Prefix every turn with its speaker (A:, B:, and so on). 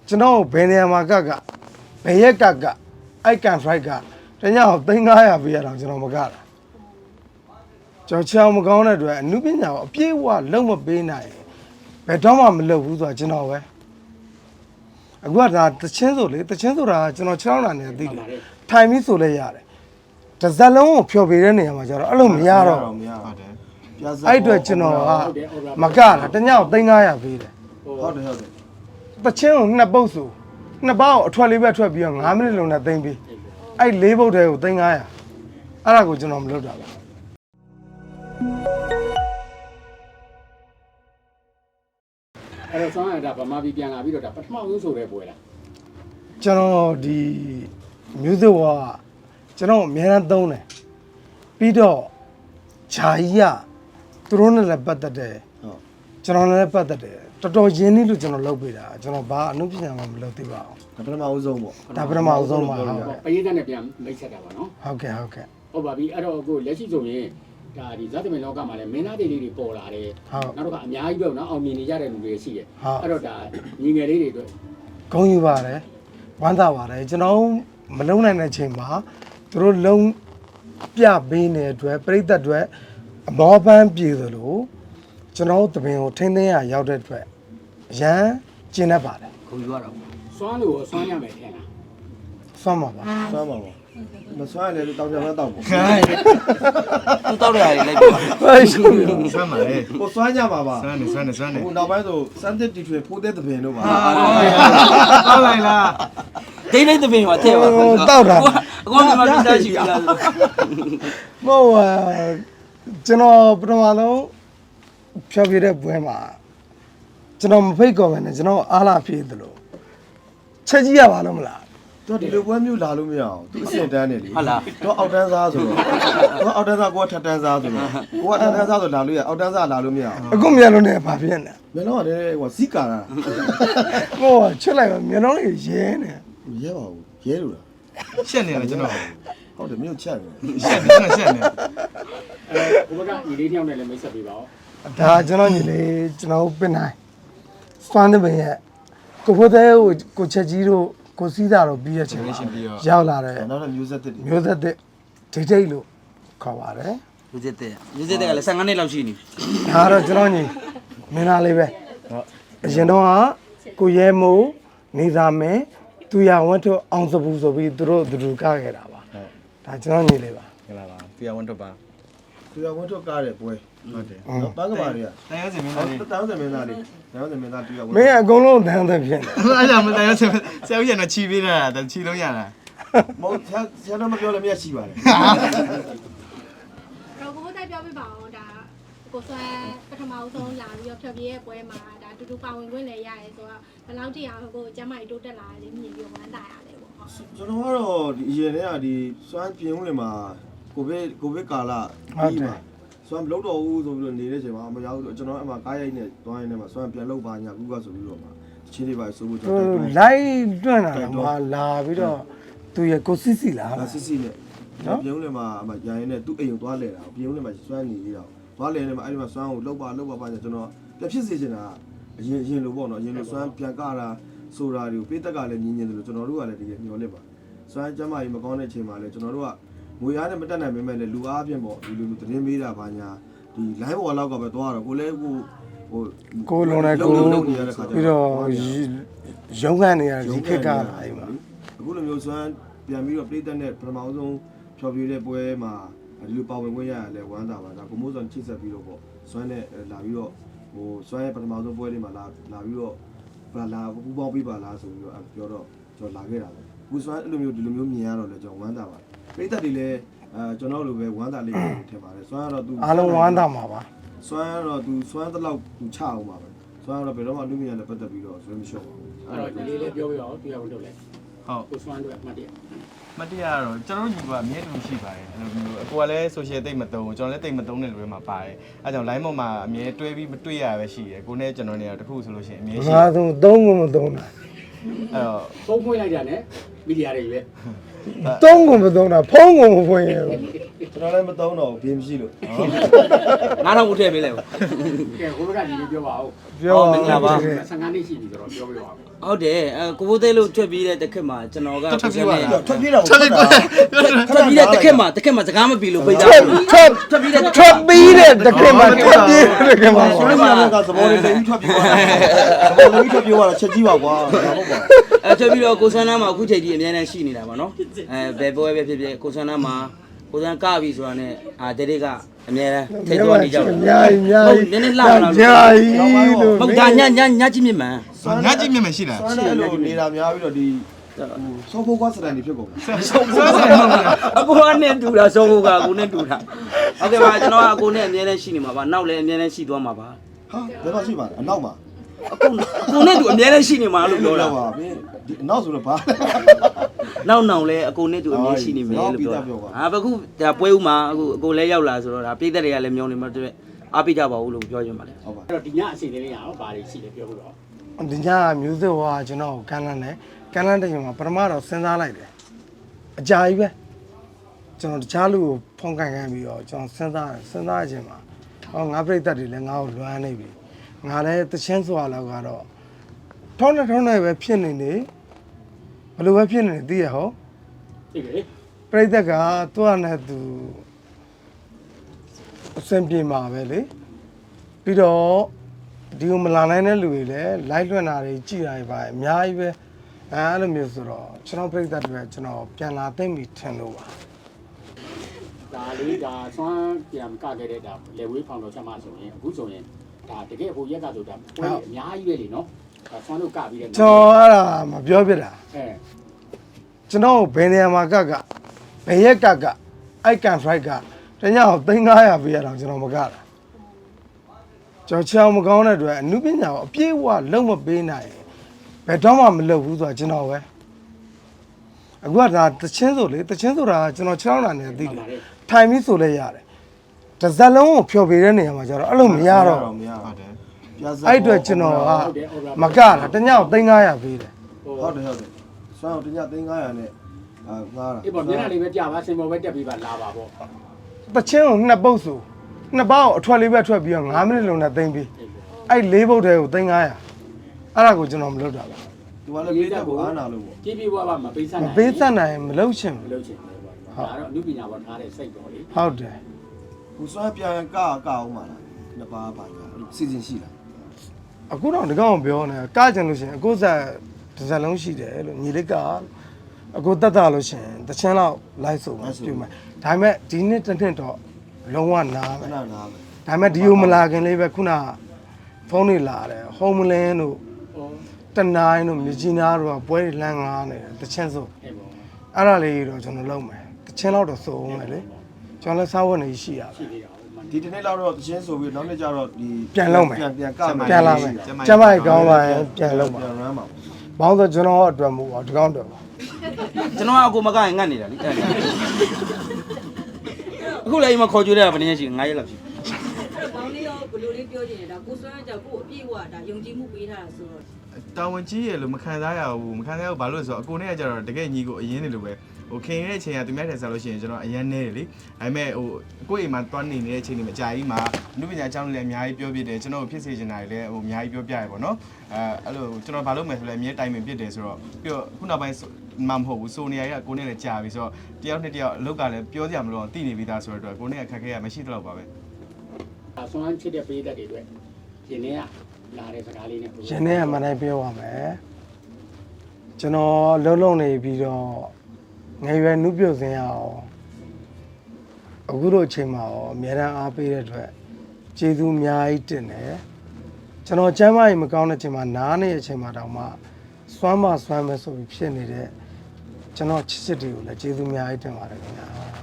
A: ကျွန်တော်ဘယ်နေရာမှာကဘယ်ရက်ကအိုက်ကန်ဖရိုက်ကတညအောင်3500ပေးရတော့ကျွန်တော်မကတာကျွန်တော်ချောင်းမကောင်းတဲ့အတွက်အနုပညာကိုအပြည့်အဝလုံးမပေးနိုင်ဘယ်တော့မှမလုပ်ဘူးဆိုတာကျွန်တော်ပဲအခုကဒါတချင်းဆိုလေတချင်းဆိုတာကျွန်တော်6လနဲ့သိတယ်ထိုင်ပြီးဆိုလဲရတယ်တစ်စက်လုံးကိုဖျော်ပေးတဲ့နေရာမှာကျတော့အဲ့လိုမရတော့
B: မရဟုတ်တယ်
A: အဲ့အတွက်ကျွန်တော်ကမကတာတညအောင်3500ပေးတယ်
B: ဟုတ်တယ်
A: တချင်းကိုနှစ်ပုတ်ဆိုနှစ်ပေါက်အထွက်လေးပဲထွက်ပြီးတော့9မိနစ်လုံးနဲ့သိမ့်ပြီးအဲ့၄ပုတ်တဲကို3500အဲ့ဒါကိုကျွန်တော်မလုပ်တာပါ
C: အဲ့တော့ဆောင်းရတာဗမာပြည်ပြန်လာပြီးတော့ဒါပထမဆုံးဆိုတဲ့ပွဲလား
A: ကျွန်တော်ဒီ music ကကျွန်တော်အများအားသုံးတယ်ပြီးတော့ဂျာကြီးကသူတို့နဲ့လည်းပတ်သက်တယ်
B: ဟုတ်
A: ကျွန်တော်လည်းပတ်သက်တယ်တော်တော်ရင်းနှီးလို့ကျွန်တော်လုပ်ပေးတာကျွန်တော်ဘာအမှုပညာမှမလုပ်သေးပါဘူး
B: ဒါပထမဦးဆုံးပေါ့
A: ဒါပထမဦးဆုံးပါဟုတ်ကဲ့
C: ပရိသတ်နဲ့ပြန်မိတ်ဆက်တာပါနော်
A: ဟုတ်ကဲ့ဟုတ်ကဲ့
C: ဟုတ်ပါပြီအဲ့တော့အခုလက်ရှိဆိုရင်ဒါဒီဇာတ်သမင်လောကမှာလည်းမင်းသားတွေလေးတွေပေါ်လာတယ်
A: ဟုတ်
C: နောက်တော့အများကြီးပဲနော်အောင်မြင်နေကြတဲ့လူတွေရှိတယ်
A: ဟုတ်
C: အဲ့တော့ဒါညီငယ်လေးတွေအတွက်
A: ဂုဏ်ယူပါတယ်ဝမ်းသာပါတယ်ကျွန်တော်မလုံနိုင်တဲ့အချိန်မှာသူတို့လုံးပြပေးနေတဲ့အတွက်ပြိတ္တအတွက်အမောပန်းပြည်သလိုကျွန်တော်တို့တပင်ကိုထိန်းသိမ်းရရောက်တဲ့အတွက်အရန်ကျင်းတတ်ပါတယ်
D: ခုံယူရတော့
C: စွမ်းလို့စွမ်းရမယ်ထင်လား
A: ဆွမ်းပါပါ
B: ဆွမ်းပါပေါ့မဆွမ်းရလေတောင်ကြမ်းတောက်ပေါ့
D: သူတောက်ရတယ်လိုက်ပါ
A: ဟဲ့ရှုပ်ရော
E: ဆွမ်းပါလေ
B: ကိုဆွမ်းကြပါပါ
E: ဆွမ်းနေဆွမ်းနေဆွမ်းနေ
B: ဟိုနောက်ပိုင်းဆိုစမ်းတစ်တီထွေဖိုးတဲ့သပင်တို့ပါ
E: ဟုတ်လိုက်လား
D: ဒိတ်လိုက်တဲ့ပင်ဟောတဲ့ပါ
A: တောက်တာ
D: အကောင်မြန်မာပြည်သားရှိပြီလား
A: မဟုတ်ကျွန်တော်ပထမဆုံးဖြောပြတဲ့ပွဲမှာကျွန်တော်မဖိတ်ကော်မယ်နဲ့ကျွန်တော်အားလာပြေးသလိုချက်ကြီးရပါလို့မလား
B: တော့ဒီလိုပွဲမျိုးလာလို့မရအောင်သူအစင်တန်းနေလေ
D: ဟုတ်လား
B: တော့အောက်တန်းစားဆိုတော့အောက်တန်းစားကိုကထက်တန်းစားဆိုတော့ကိုကထက်တန်းစားဆိုလာလို့ရအောက်တန်းစားလာလို့မရအောင်
A: အခုမြန်လို့နေဘာဖြစ်နေ
B: မင်းတော့ကလည်းဟိုစီကာတာ
A: ဟိုချစ်လိုက်ပါမြန်တော့လေးရဲနေ
B: ရဲပါဘူးရဲလို့လား
E: ရှက်နေတယ်ကျွန်တော်
B: ဟုတ်တယ်မြို့ချက်တယ်
E: ရှက်နေရှက်နေ
C: ဟိုဘက်ကညီလေးတယောက်နဲ့လည်းမိတ်ဆက်ပေးပါဦး
A: ဒါကျွန်တော်ညီလေးကျွန်တော်ပင်နိုင်စွမ်းတဲ့ပင်ရဲ့ကိုဖိုးတဲ့ကိုချက်ကြီးတို့ကိုစီးတာတော့ပြီးရချင်ပါရောက်လာတယ်
B: နောက်တော့မျိုးဆက်တစ်တွေ
A: မျိုးသက်တဲ့ဒိတ်ဒိတ်လို့ခေါ်ပါတယ်
D: လူစစ်တဲ့လူစစ်တဲ့ကလည်း15နှစ်လောက်ရှိနေ
A: ဒါကတော့ကျွန်တော်ညီမင်းသားလေးပဲအရင်တော့ကကိုရဲမိုးနေသာမင်းသူရဝတ်ထုတ်အောင်စပူဆိုပြီးသူတို့အတူကခဲ့တာပါဒါကျွန်တော်ညီလေးပါ
E: ဟလာပါတရားဝန်တော့ပါ
B: သူရဝန်ထုတ်ကားတယ်ပွဲ
E: ဟုတ်တယ်
B: နော်ပန်းကမာတွေက
E: တရားစင်မင်းသားလေး
B: တောင်းစမင်းသားလေးတောင်းစမင်းသားသူရဝန်
A: မင်းအကုန်လုံးတန်းတဲ့ဖြစ်နေ
E: အဲ့ဒါမတရားစင်ဆရာဦးရတော့ချီပေးတာတချီလုံးရတာ
B: မဟုတ်ဆရာတော့မပြောလည်းမရရှိပါတယ်
F: တော့ကိုတိုက်ပြောပြပါအောင်ဒါကိုဆွဲပထမဆုံးလာပြီးတော့ဖြတ်ပြေးရဲ့ပွဲမှာဒါတူတူပါဝင်ခွင့်လည်းရရဲဆိုတော့ဘယ်လောက်ထိအောင်ကိုကျမကြီးတိုးတက်လာတယ်မြင်ပြီးဝမ်းသာရတယ်ပေါ့ဟုတ်
B: ကျွန်တော်ကတော့ဒီအရင်တည်းကဒီစွမ်းပြင်းဦးလေမှာကိုဗစ်ကာလပြီးမှာစွမ်းမလုပ်တော့ဘူးဆိုပြီးတော့နေတဲ့ချိန်မှာမရောက်ဘူးကျွန်တော်အမှကားရိုက်နဲ့တွိုင်းနဲ့မှာစွမ်းပြန်လုပ်ပါညာကူကဆိုပြီးတော့မှာချင်းလေးပါဆိုဖို့ကျွန်တော်တိုက်တွန်း
A: လိုက်တွန့်လာတော့မှလာပြီးတော့သူရကိုစစ်စီလာ
B: ဒါစစ်စစ်နဲ့ပြင်းဦးလေမှာအမှရိုင်းနဲ့သူ့အိမ်ကိုသွားလဲတာပြင်းဦးလေမှာစွမ်းနေသေးတာသွားလဲနေမှာအဲ့ဒီမှာစွမ်းကိုလှုပ်ပါပါညာကျွန်တော်ပြဖြစ်စေချင်တာအရင်လိုပေါ့နော်အရင်လိုစွမ်းပြန်ကတာဆိုတာတွေကိုပေးတက်ကလည်းညင်ညင်တယ်လို့ကျွန်တော်တို့ကလည်းတကယ်မျှော်လင့်ပါစွမ်းကျမ်းမာရေးမကောင်းတဲ့ချိန်မှာလည်းကျွန်တော်တို့ကငွေအားနဲ့မတက်နိုင်ပေမဲ့လည်းလူအားဖြင့်ပေါ့ဒီလိုသတင်းမေးတာဘာညာဒီ live ပေါ်လောက်ကပဲသွားတော့ကိုလည်းဟို
A: ကိုလုံးနဲ့ကို
B: လုံနေရတဲ့ခါကျ
A: ပြီးတော့ရုံးခန့်နေရဒီခက်ကလာအိမ်မှာ
B: အခုလိုမျိုးစွမ်းပြန်ပြီးတော့ပြည်သက်နဲ့ပထမဆုံးဖြော်ပြတဲ့ပွဲမှာဒီလိုပါဝင်ခွင့်ရရလဲဝမ်းသာပါဒါကိုမိုးစွန်ချိတ်ဆက်ပြီးတော့ပေါ့စွမ်းနဲ့လာပြီးတော့ဟိုစွမ်းရဲ့ပထမဆုံးပွဲလေးမှာလာပြီးတော့လာပူပေါင်းပေးပါလားဆိုပြီးတော့ပြောတော့ကျွန်တော်လာခဲ့တာပဲအခုစွမ်းအဲ့လိုမျိုးဒီလိုမျိုးမြင်ရတော့လဲကျွန်တော်ဝမ်းသာပါတယ်ပြည်သက်တွေလည်းကျွန်တော်လိုပဲဝမ်းသာလေးပဲထင်ပါတယ်စွမ်းကတော့သူ
A: အားလုံးဝမ်းသာမှာပါ
B: စွမ်းကတော့သူစွမ်းတဲ့လောက်သူချအောင်ပါပဲစွမ်းကတော့ဘယ်တော့မှလူမြင်နဲ့ပတ်သက်ပြီးတော့ဆွေးမလျှော့ပါဘူး
C: အဲ့တော့ညီလေးလည်းပြောပြပါဦးတရားဝန်တို့လည်း
E: ဟုတ်
C: ကိုစွမ်းတို့အမှတ်တရ
E: မတရားတော့ကျွန်တော်ညီကအမြဲတမ်းရှိပါတယ်အဲ့လိုမျိုးအကိုကလည်း social တိတ်မသုံးကျွန်တော်လည်းတိတ်မသုံးတဲ့လူတွေမှာပါတယ်အဲ့ကြောင့် line ပေါ်မှာအမြဲတွဲပြီးမတွေ့ရပဲရှိတယ်ကိုနဲ့ကျွန်တော်နေရာတခုဆိုလို့ရှိရင်အမြဲရှိ
A: ငါဆုံးသုံးကုန်မသုံးတာ
E: အဲ့တော့
C: ပုံပွင့်လိုက်တာနဲ့မီဒီယာတွေပဲ
A: သုံးကုန်မသုံးတာဖုံးကုန်မဖွင့်ရဘူး
B: ကျွန်တော်လည်းမသုံးတော့ဘေးမရှိလို့
D: 9000ကိုထည့်ပေးလိုက်ပါ
C: ကဲဟိုဘက်ကညီလေးပြောပါဦး
A: ပြော
D: မင်္ဂလာပါ
C: 15နှစ်ရှိပြီဆိုတော့ပြောပြပါဦး
D: ဟုတ်တယ်ကိုဘိုးသေးလို့ထွက်ပြီးတဲ့တစ်ခက်မှာကျွန်တော်က
B: ထွက်ပြေးတော့
D: ထွက်ပြီးတဲ့တစ်ခက်မှာစကားမပြီးလို့ပိတ်တာ
A: ထွက်ပြီးတဲ့တခင်မှာထွက်ပြေးတခင်မှာ
B: ဆိုတော့ကသဘောလေးလိမ့်ထွက်ပြေးသွားတာသဘောလေးထွက်ပြေးသွားတာချက်ကြီးပါကွာဟုတ်ပါ
D: ထွက်ပြီးတော့ကိုဆန်းနာမှာအခုချိန်ကြီးအများနဲ့ရှိနေတာပါနော်ဘယ်ပွဲပဲဖြစ်ဖြစ်ကိုဆန်းနာမှာကိုဆန်းကပြီဆိုတာနဲ့တဲတေကအများနဲ့ထိတ်တော်နေကြတယ်
A: အများကြီး
D: နည်းနည်းလှလာလို့
A: အများကြီးလို့
D: မဟုတ်ဒါညကြည့်မြင်မှန်
E: ညကြည့်မြင်မရှိလား
B: ဆွမ်းတဲ့လိုနေတာများပြီးတော့ဒီဆောဖိုးကွာစတန်ဒီဖြစ်ကုန်ပြီ
D: အကိုနဲ့တူတာဆုံးဖို့ကကိုနဲ့တူတာဟုတ်ကဲ့ပါကျွန်တော်ကကိုနဲ့အများနဲ့ရှိနေမှာပါနောက်လည်းအများနဲ့ရှိသွားမှာပါ
B: ဟာဘယ်မှာရှိပါလဲအနောက်မှာ
D: ကိုနဲ့တူအများနဲ့ရှိနေမှာလို့ပြောတာ
B: ပါဘယ်ဒီအနောက်ဆိုတော့ဘာ
D: နောက်လဲအကိုနဲ့တူအများရှိနေမယ်လို့ပြောတာအခုဒါပွဲဦးမှာအခုအကိုလည်းရောက်လာဆိုတော့ဒါပြည်သက်တွေကလည်းမျောနေမှာတွေ့အားပေးကြပါဦးလို့ပြောချင်ပါတယ်
B: ဟုတ်ပါ
C: အဲ့တော့ဒီညအစီအစဉ်လေးရအောင်ဘာတွေရှိလဲပြောလို့တော့
A: ဒီညမျိုးစေ့ဟောကျွန်တော်ကန်းလန်းတယ်ကန်းလန်းတဲ့ချိန်မှာပထမတော့စဉ်းစားလိုက်တယ်အကြာကြီးပဲကျွန်တော်တခြားလူကိုဖုန်းကန်ပြီးတော့ကျွန်တော်စဉ်းစားတဲ့အချိန်မှာငါပြိတ္တတွေလည်းငါ့ကိုလွမ်းနေပြီငါလည်းတချင်းစွာလောက်ကတော့ထုံးနေပဲဖြစ်နေနေဘယ်လိုပဲဖြစ်နေနေသိရဟော
C: သိပြီလေ
A: ပြိတ္တကသူ့အနဲ့သူအစင်ပြေမှာပဲလေပြီးတော့ဒီကိုမလာနိုင်တဲ့လူတွေလည်းလိုက်လွှင့်တာတွေကြည်တာတွေပါအများကြီးပဲအဲ့လိုမျိုးဆိုတော့ကျွန်တော်ပြိတ္တတွေကျွန်တော်ပြန်လာသိမ့်ပြီထင်လို့ပါ
C: ဒါလေးဒါဆွမ်းပြန်ကခဲ့တဲ့ဒါလေဝေးဖောင်တော်ချက်မှဆိုရင်အခုဆိုရင်ဒါတကယ်ဟိုရက်ကဆိုတာပွဲအများကြီးပဲလေနော်ဒါဆွမ်းတို့ကပြီးတဲ့
A: ကျွန်တော်အဲ့ဒါမပြောပြတာ
C: အဲ
A: ကျွန်တော်ဘယ်နေရာမှာကဘယ်ရက်ကအိုက်ကန်ဖရိုက်ကတညအောင်3500ပေးရအောင်ကျွန်တော်မကတာကျွန်တော်ချောင်းမကောင်းတဲ့အတွက်အနုပညာကိုအပြည့်အဝလုံးမပေးနိုင်ဘယ်တော့မှမလုပ်ဘူးဆိုတာကျွန်တော်ပဲအခုကဒါတချင်းဆိုလေတချင်းဆိုတာကျွန်တော်6လနဲ့သိတယ်ထိုင်ပြီးဆိုလဲရတယ်တစ်စက်လုံးကိုဖျော်ပေးတဲ့နေရာမှာကျတော့အဲ့လိုမရတော့
B: မရ
E: ဟုတ်တယ်
A: အဲ့အတွက်ကျွန်တော်ကမကတာတညအောင်3500ပေးတယ်
B: ဟုတ်တယ်ဆွမ်းတော့တည3500နဲ့ငားတာ
C: အေးပေါ့မျက်နှာလေးပဲကြာပါစင်ပေါ်ပဲတက်ပြီးပါလာပါပေါ့
A: တချင်းကိုနှစ်ပုတ်ဆိုနှစ်ပေါက်အထွက်လေးပဲထွက်ပြီးတော့9မိနစ်လုံးနဲ့သိမ့်ပြီးအဲ့၄ပုတ်တဲကို3500အဲ့ဒါကိုကျွန်တော်မလုပ်တာပါ
B: သူကလည်းပြေးတက်ကိုအားနာလို့ပေါ့
C: ကြည့်ပြီးပါမပေးဆက်
A: မ
C: နိုင်
A: ပေးသက်နိုင်မလုပ်ချင်
C: မ
A: ဘူး
C: လုပ်ချင်ဘူးပေါ့ဒါတော့အမှုပညာပေါ်ထားတဲ့စိတ်တော်လေ
A: ဟုတ်တယ်
B: ကိုဆွမ်းပြန်ကအောင်ပါလားနှစ်ပါးပါလားစီစဉ်ရှိလား
A: အခုတော့ဒီကောင်ပြောနေကကြင်လို့ရှိရင်အခုဆက်တစ်စက်လုံးရှိတယ်လို့ညီလေးကအခုတက်တာလို့ရှိရင်တချင်းလောက်လိုက်ဆိုမှပြုမယ်ဒါပေမဲ့ဒီနှစ်တစ်နှစ်တော့လုံးဝနား
B: ခ
A: မယ်
B: ဏနားမယ်
A: ဒါပေမဲ့ဒီကိုမလာခင်လေးပဲခုနဖုန်းတွေလာတယ်ဟ ோம் လင်းတို့
C: ဟော
A: တနိုင်တို့မြကြီးနားတို့ကပွဲတွေလမ်းငားနေတယ်တချင်းဆို
C: အေးပေါ့
A: အဲ့ဒါလေးတော့ကျွန်တော်လုပ်မယ်တချင်းလောက်တော့စိုးမယ်လေကျွန်တော်လည်းစားဝတ်နေရှိရပါ
C: ရှိသေးတာဟုတ်မှန်
B: ဒီတနေ့လောက်တော့တချင်းဆိုပြီးနောက်နေ့ကျတော့ဒီ
A: ပြန်လုပ်မယ်
B: ပြန်က
A: ပြန်လာမယ်ကျမကြီးကောင်းပါရင်ပြန်လုပ်ပါ
B: ပြန်ရမ်းပါ
A: ဘောင်းဆိုကျွန်တော်အတွက်မဟုတ်ပါဒီကောင်အတွက်ပါ
D: ကျွန်တော်ကအကိုမကရင်ငတ်နေတာလေအခုလည်းအိမ်မှာခေါ်ကြွေးရတာဘယ်နည်းရှိ9ရက်လောက်ရှိ
G: ဘောင်းလေးရောဘလိုလေးပြောချင်တယ်ဒါကိုစွမ်းကြောက်ကိုအပြည့်ဝဒါယုံကြည်မှုပေးထားတာဆိုတော့
E: တာဝန်ကြီးရလို့မခံစားရဘူးမခံစားရဘူးဘာလို့လဲဆိုတော့အကိုနဲ့ကကြတော့တကယ်ညီကိုအရင်နေလို့ပဲဟိုခင်ရတဲ့အချိန်ကသူများထက်စားလို့ရှိရင်ကျွန်တော်အရင်နေတယ်လေဒါပေမဲ့ဟိုကိုယ့်အိမ်မှာတွန်းနေနေတဲ့အချိန်တွေမှာကြာကြီးမှာအမှုပညာအကြောင်းလည်းအများကြီးပြောပြတယ်ကျွန်တော်ဖြစ်စေချင်တာတွေလည်းဟိုအများကြီးပြောပြရပေါ့နော်အဲ့လိုကျွန်တော်ဘာလုပ်မယ်ဆိုလဲအမြဲတိုင်ပင်ပြစ်တယ်ဆိုတော့ပြီးတော့ခုနောက်ပိုင်းမှမဟုတ်ဘူးစိုးနေရကကိုနဲ့လည်းကြာပြီဆိုတော့တယောက်နဲ့တယောက်အလုပ်ကလည်းပြောကြမလို့တည်နေပြီးသားဆိုတော့ကိုနဲ့အခက်ခဲရမရှိတော့ပါပဲ
C: ဒါဆွမ်းချစ်တဲ့ပေးသက်တွေအတွက်ရင်းနေရလာတဲ့စကားလေးနဲ့
A: ရင်းနဲ့မှန်တိုင်းပြောပါမယ်ကျွန်တော်လုံးနေပြီးတော့ငယ်ရွယ်နှုတ်ပြုတ်စင်းရအောင်အခုတို့အချိန်မှာရောအများအားအားပေးတဲ့အတွက်ကျေးဇူးအများကြီးတင်တယ်ကျွန်တော်ကျမ်းမာရေးမကောင်းတဲ့အချိန်မှာနားနေတဲ့အချိန်မှာတောင်မှစွမ်းမစွမ်းမဲဆိုပြီးဖြစ်နေတဲ့ကျွန်တော်ချစ်ချစ်တွေကိုလည်းကျေးဇူးအများကြီးတင်ပါတယ်ခင်ဗျာ